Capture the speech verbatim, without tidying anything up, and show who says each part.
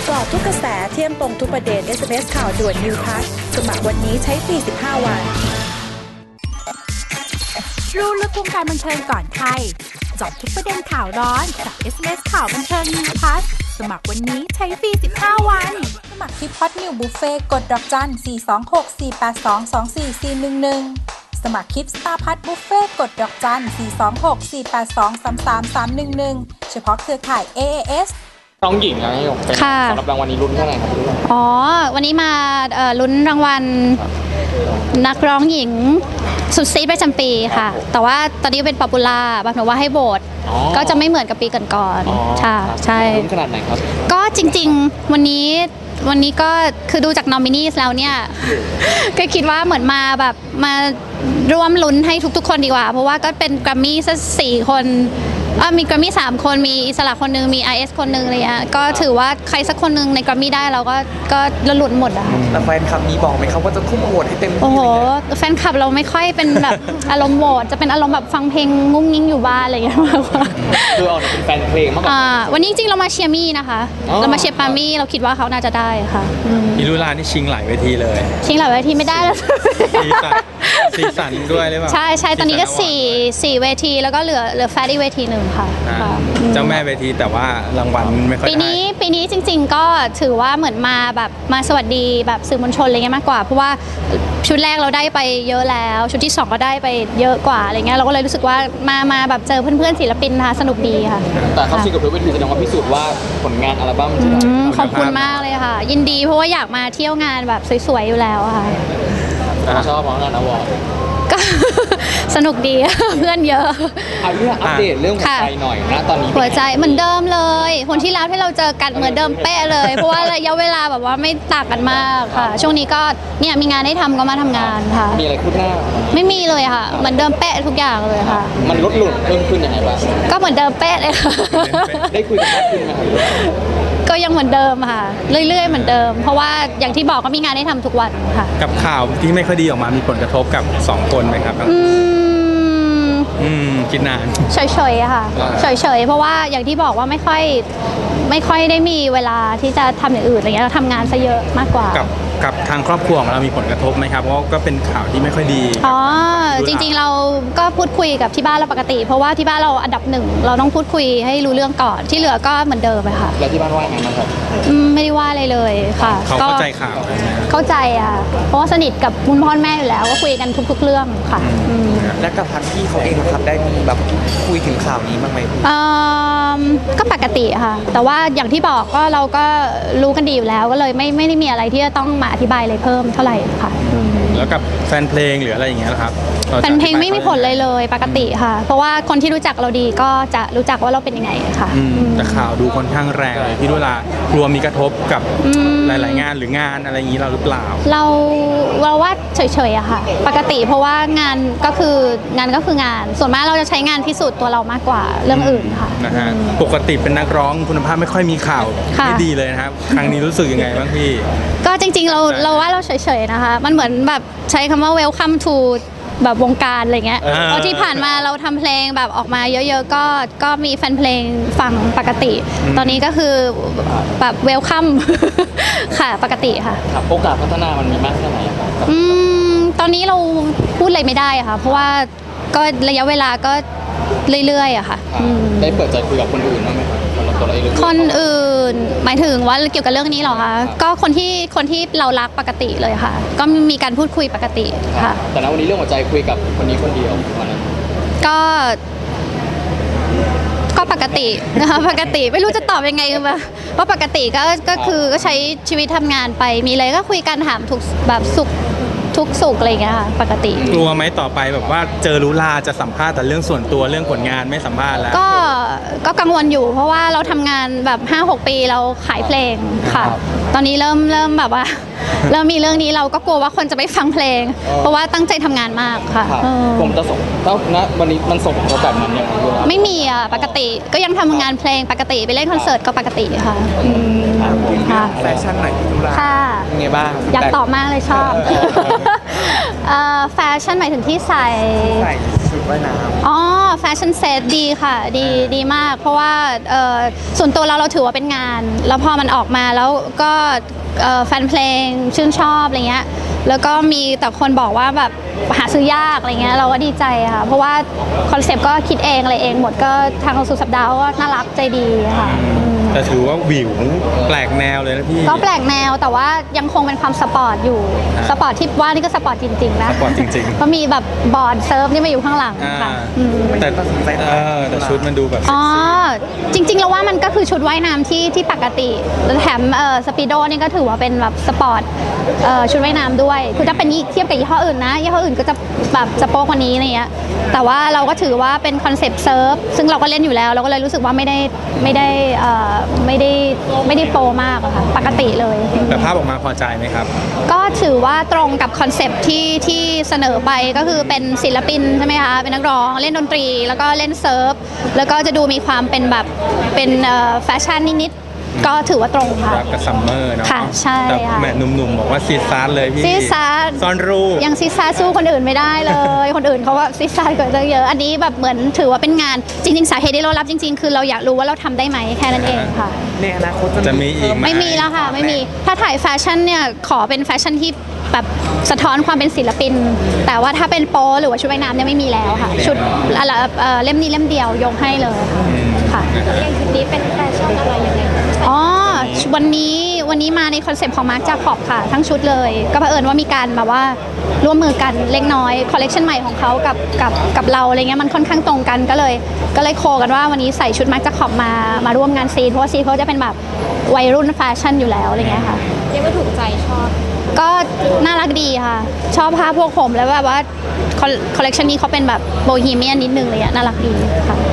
Speaker 1: กาะทุกกระแสเที่ยมตรงทุกประเด็น เอส เอ็ม เอส ข่าวด่วน New Plus สมัครวันนี้ใช้ฟรีสิบห้าวัน
Speaker 2: รู้ลึกวงการบันเทิงก่อนใครเจาะทุกประเด็นข่าวร้อนกับ เอส เอ็ม เอส ข่าวบันเทิง New Plus สมัครวันนี้ใช้ฟรีสิบห้าวันสมัครที่พอดนิวบุฟเฟ่กดดอกจันสี่ สอง หก สี่ แปด สอง สอง สี่ สี่ หนึ่ง หนึ่งสมัครคลิปสตาร์พัทบุฟเฟ่กดดอกจันสี่ สอง หก สี่ แปด สอง สาม สาม สาม หนึ่ง หนึ่งเฉพาะเครือข่าย เอ เอ เอส
Speaker 3: น้องหญิงนะพี่หยกเป็นสำหรับรางวัลนี้ลุ้นเท่าไหร่ครับพี่
Speaker 4: อ๋อวันนี้มาลุ้นรางวัลนักร้องหญิงสุดซีดประจำปีค่ะแต่ว่าตอนนี้เป็นป๊อปปูล่าแบบหนูว่าให้โหวตก็จะไม่เหมือนกับปีก่อนๆค่ะใช่
Speaker 3: ลุ้นขนาดไหนครับ
Speaker 4: ก็จริงๆวันนี้วันนี้ก็คือดูจากนอมินีแล้วเนี่ยก็คิดว่าเหมือนมาแบบมาร่วมลุ้นให้ทุกๆคนดีกว่าเพราะว่าก็เป็นแกรมมี่สักสี่คนมีแกรมมี่สามคนมีอิสระคนนึงมี ไอ เอส คนนึงอะไรเงี้ยก็ถือว่าใครสักคนนึงในแกรมมี่ได้เราก็ก็หลุดหมดอะ
Speaker 5: แต่แฟนคลับมีบอกไหมครับว่าจะทุ่มโหวตให้เต็มที่
Speaker 4: โอ้โหแฟนคลับเราไม่ค่อยเป็นแบบอารมณ์โหวตจะเป็นอารมณ์แบบฟังเพลงงุ้งงิ้งอยู่บ้านอะไรเงี้ยมากกว่า
Speaker 3: คือออกเป็นแฟนเพลงมากกว่า
Speaker 4: วันนี้จริงเรามาเชียร์มี่นะคะเรามาเชียร์ปามี่เราคิดว่าเขาน่าจะได้ค่ะ
Speaker 6: มีลุลานี่ชิงหลายเวทีเลย
Speaker 4: ชิงหลายเวทีไม่ได้แล้ว
Speaker 6: สีสันด้วยหรือเปล่า
Speaker 4: ใช่ใช่ตอนนี้ก็สี่สี่เวทีแล้วก็เหลือเหลือแฟดอีกเวทีหนึ่งค่ะ
Speaker 6: เจ้าแม่เวทีแต่ว่ารางวัลไม่ค่อยได้
Speaker 4: ปีนี้ปีนี้จริงๆก็ถือว่าเหมือนมาแบบมาสวัสดีแบบสื่อมวลชนอะไรเงี้ยมากกว่าเพราะว่าชุดแรกเราได้ไปเยอะแล้วชุดที่สองก็ได้ไปเยอะกว่าอะไรเงี้ยเราก็เลยรู้สึกว่ามามาแบบเจอเพื่อนๆศิลปินนะคะสนุกดีค่ะ
Speaker 3: แต่เข้าชิงกับเพื่อนๆแสดงว่าพิสูจน์ว่าผลงานอัลบั้มที่
Speaker 4: ขอบคุณมากเลยค่ะยินดีเพราะว่าอยากมาเที่ยวงานแบบสวยๆอยู่แล้วค่ะ
Speaker 3: ชอบงานอวอร์ด
Speaker 4: ก็สนุกดีเพื่อนเยอะ
Speaker 3: เอาเรื่องอัปเดตเรื่องหัวใจหน่อยนะตอนนี้
Speaker 4: หัวใจเหมือนเดิมเลยคนที่แล้วที่เราเจอกันเหมือนเดิมเป๊ะเลยเพราะว่าระยะเวลาแบบว่าไม่ต่างกันมากค่ะช่วงนี้ก็เนี่ยมีงานให้ทำก็มาทำงานค่ะ
Speaker 3: มีอะไรคืบหน้า
Speaker 4: ไม่มีเลยค่ะเหมือนเดิมเป๊ะทุกอย่างเลยค่ะ
Speaker 3: มันลดหลั่นเพิ่มขึ้นยังไงบ้าง
Speaker 4: ก็เหมือนเดิมเป๊ะเลยค่ะ
Speaker 3: ได้คุยกันมากขึ้นไหมครับ
Speaker 4: ก็ยังเหมือนเดิมค่ะเรื่อยๆเหมือนเดิมเพราะว่าอย่างที่บอกก็มีงานให้ทำทุกวันค่ะ
Speaker 6: กับข่าวที่ไม่ค่อยดีออกมามีผลกระทบกับสองคนไหมครับ
Speaker 4: อืม
Speaker 6: อืมคิดนาน
Speaker 4: เฉยๆค่ะเฉยๆเพราะว่าอย่างที่บอกว่าไม่ค่อยไม่ค่อยได้มีเวลาที่จะทำอย่างอื่นอะไรเงี้ยเราทำงานซะเยอะมากกว่า
Speaker 6: กับกับทางครอบครัวของเรามีผลกระทบไหมครับเพราะก็เป็นข่าวที่ไม่ค่อยดี
Speaker 4: อ๋อจริงๆเราก็พูดคุยกับที่บ้านเราปกติเพราะว่าที่บ้านเราอันดับหนึ่งเราต้องพูดคุยให้รู้เรื่องก่อนที่เหลือก็เหมือนเดิมเลยค่ะ
Speaker 3: แล้วที่บ้านว่าไงบ้างครับ
Speaker 4: ไม่ได้ว่าอะไรเลยค่ะ
Speaker 6: เขาเข้าใจข่าว
Speaker 4: เข้าใจอ่ะเพราะว่าสนิทกับคุณพ่อแม่อยู่แล้วก็คุยกันทุกๆเรื่องค่ะ
Speaker 5: และกับทางพี่เขาเองนะครับได้มีแบบคุยถึงข่าวนี้บ้างไหม
Speaker 4: ก็ปกติค่ะแต่ว่าอย่างที่บอกก็เราก็รู้กันดีอยู่แล้วก็เลยไม่ไม่ได้มีอะไรที่จะต้องมาอธิบายอะไรเพิ่มเท่าไหร่ค่ะ
Speaker 6: แล้วกับแฟนเพลงหรืออะไรอย่างเงี้ยครับ
Speaker 4: แฟนเพลงไม่มีผลเลยเลยปกติค่ะเพราะว่าคนที่รู้จักเราดีก็จะรู้จักว่าเราเป็นยังไงค่ะ
Speaker 6: แต่ข่าวดูค่อนข้างแรงเลยพี่ดุลากลัวมีกระทบกับหลายๆงานหรืองานอะไรอย่างนี้เราหรือเปล่า
Speaker 4: เราเราว่าเฉยๆอะค่ะปกติเพราะว่างานก็คืองานก็คืองานส่วนมากเราจะใช้งานพิสูจน์ตัวเรามากกว่าเรื่องอื่นค่ะ
Speaker 6: นะฮะปกติเป็นนักร้องคุณภาพไม่ค่อยมีข่าวไม่ดีเลยนะครับครั้งนี้รู้สึกยังไงบ้างพี่
Speaker 4: ก็จริงๆเราเราว่าเราเฉยๆนะคะมันเหมือนแบบใช้คำว่า welcome to แบบวงการอะไรเงี้ยเพราะที่ผ่านมาเราทำเพลงแบบออกมาเยอะๆก็ก็มีแฟนเพลงฟังปกติตอนนี้ก็คือแบบเวลคัมค่ะปกติค่ะ
Speaker 3: โอกาสพัฒนามันมีมากแค่ไหน
Speaker 4: อืมตอนนี้เราพูดอะไรไม่ได้ค่ะเพราะว่าก็ระยะเวลาก็เรื่อยๆอะค่ะ
Speaker 3: ได้เปิดใจคุยกับคนอื่นบ้างไหม
Speaker 4: คนอื่นหมายถึงว่าเกี่ยวกับเรื่องนี้เหรอคะก็คนที่คนที่เรารักปกติเลยค่ะก็มีการพูดคุยปกติค่ะ
Speaker 3: แต่ณวันนี้เรื่องหัวใจคุยกับคนนี้คนเดียว
Speaker 4: ก็ก็ปกตินะคะปกติไม่รู้จะตอบยังไงมาเพราะปกติก็ก็คือก็ใช้ชีวิตทำงานไปมีอะไรก็คุยกันถามทุกแบบสุขทุกสุขอะไรอย่างเงี้ยค่ะปกติ
Speaker 6: กลัวไหมต่อไปแบบว่าเจอลุลาจะสัมภาษณ์แต่เรื่องส่วนตัวเรื่องผลงานไม่สัมภาษณ์แล้ว
Speaker 4: ก็ก็กังวลอยู่เพราะว่าเราทำงานแบบ ห้าหก ปีเราขายเพลงค่ะตอนนี้เริ่มเริ่มแบบว่าเริ่มมีเรื่องนี้เราก็กลัวว่าคนจะไม่ฟังเพลงเพราะว่าตั้งใจทำงานมากค่ะ
Speaker 3: ผมจะส่งเท่านะวันนี้มันส่งผลแบบนั้นยัง
Speaker 4: ไม่มีอ่ะปกติก็ยังทำงานเพลงปกติไปเล่นคอนเสิร์ตก็ปกติค่ะ
Speaker 5: แฟชั่นไหนที่ลุลาเป็นไงบ้าง
Speaker 4: อยากตอบมากเลยชอบแฟชั่นหมายถึงที่ใส่
Speaker 5: ใส่ชุดว่ายน้ำ
Speaker 4: อ๋อแฟชั่นเซตดีค่ะดีดีมาก เพราะว่าเอ่อส่วนตัวเราเราถือว่าเป็นงาน แล้วพอมันออกมาแล้วก็เอ่อแฟนเพลงชื่นชอบอะไรเงี้ยแล้วก็มีแต่คนบอกว่าแบบหาซื้อยากอะไรเงี้ยเราก็ดีใจค่ะเพราะว่าคอนเซปต์ก็คิดเองอะไรเองหมดก็ทางสุดสัปดาห์ก็น่ารักใจดีค่ะอืม
Speaker 6: แต่ถือว่าวิวแปลกแนวเลยนะพี่
Speaker 4: ก็แปลกแนวแต่ว่ายังคงเป็นความสปอร์ตอยู่
Speaker 6: อ่า
Speaker 4: สปอร์ตที่ว่านี่ก็สปอร์ตจริงๆนะ
Speaker 6: สปอร์ตจริงๆ
Speaker 4: เพราะมีแบบบอร์ดเซิร์ฟนี่มาอยู่ข้างหลัง
Speaker 6: อ่า
Speaker 4: ค่ะอืม
Speaker 6: แต่
Speaker 5: ตัดสินใจ
Speaker 6: เออแต่ชุดมันดูแบบ
Speaker 4: อ๋อ จริงๆ แล้วว่ามันก็คือชุดว่ายน้ำที่ที่ปกติแล้วแถมเอ่อสปีโดนี่ก็ถือว่าเป็นแบบสปอร์ตเอ่อชุดว่ายน้ำด้วย คือถ้าเป็นเทียบกับยี่ห้ออื่นนะยี่ห้ออื่นก็จะแบบจะโป๊กกว่านี้อะไรเงี้ยแต่ว่าเราก็ถือว่าเป็นคอนเซปต์เซิร์ฟซึ่งเราก็เล่นอยู่แล้วเราก็เลยรู้สึกว่าไม่ได้ไม่ได้เอ่อไม่ได้ไม่ได้โปรมากอะค่ะปกติเลย
Speaker 6: แต่ภาพออกมาพอใจไหมครับ
Speaker 4: ก็ถือว่าตรงกับคอนเซปต์ที่ที่เสนอไปก็คือเป็นศิลปินใช่ไหมคะเป็นนักร้องเล่นดนตรี แล้วก็เล่นเซิร์ฟแล้วก็จะดูมีความเป็นแบบเป็นแฟชั่นนิดๆก็ถือว่าตรงค่ะ
Speaker 6: รับกับซัมเมอร์เนาะ
Speaker 4: ค่ะใช่
Speaker 6: แต่
Speaker 4: ค่ะ
Speaker 6: แม่หนุ่มๆบอกว่าซีดซาร์เลยพี่
Speaker 4: ซีดซาร์
Speaker 6: ซ่อนรูป
Speaker 4: ยังซีซ่าสู้คนอื่นไม่ได้เลย คนอื่นเขาว่าซีซ่ากว่าเยอะอันนี้แบบเหมือนถือว่าเป็นงานจริงๆสาเหตุที่เรารับจริง ๆ คือเราอยากรู้ว่าเราทำได้ไหมแค่นั้นเองค่ะ
Speaker 5: ในอนาคต
Speaker 6: จะมีอีกไห
Speaker 4: ไม่มีแล้วค่ะไม่มีถ้าถ่ายแฟชั่นเนี่ยขอเป็นแฟชั่นที่แบบสะท้อนความเป็นศิลปิน แต่ว่าถ้าเป็นโป๊หรือว่าชุดว่ายน้ำเนี่ยไม่มีแล้วค่ะ ชุดอะไรเอ่อเล่มนี้เล่มเดียวยกให้เลยค่ะอย่างชุดนี้เป็นแฟชั่นอะไรยังไงอ๋อวันนี้วันนี้มาในคอนเซปต์ของมาร์คจาคอบค่ะ ทั้งชุดเลย ก็เผอิญว่ามีการแบบว่าร่วมมือกันเล็กน้อยคอลเลกชันใหม่ของเขากับกับกับเราอะไรเงี้ยมันค่อนข้างตรงกันก็เลย ก็เลยโคกันว่าวันนี้ใส่ชุดมาร์คจาคอบมามาร่วมงานซีนเพราะว่าซีนเขาจะเป็นแบบวัยรุ่นแฟชั่นอยู่แล้วอะไรเงี้ยค่ะ
Speaker 1: เรียกว่าถูกใจชอบ
Speaker 4: ก็น่ารักดีค่ะ ชอบผ้าพวกผมแล้วแบบว่าคอลเลกชันนี้เขาเป็นแบบโบฮีเมียนนิดนึงเลยอะน่ารักดีค่ะ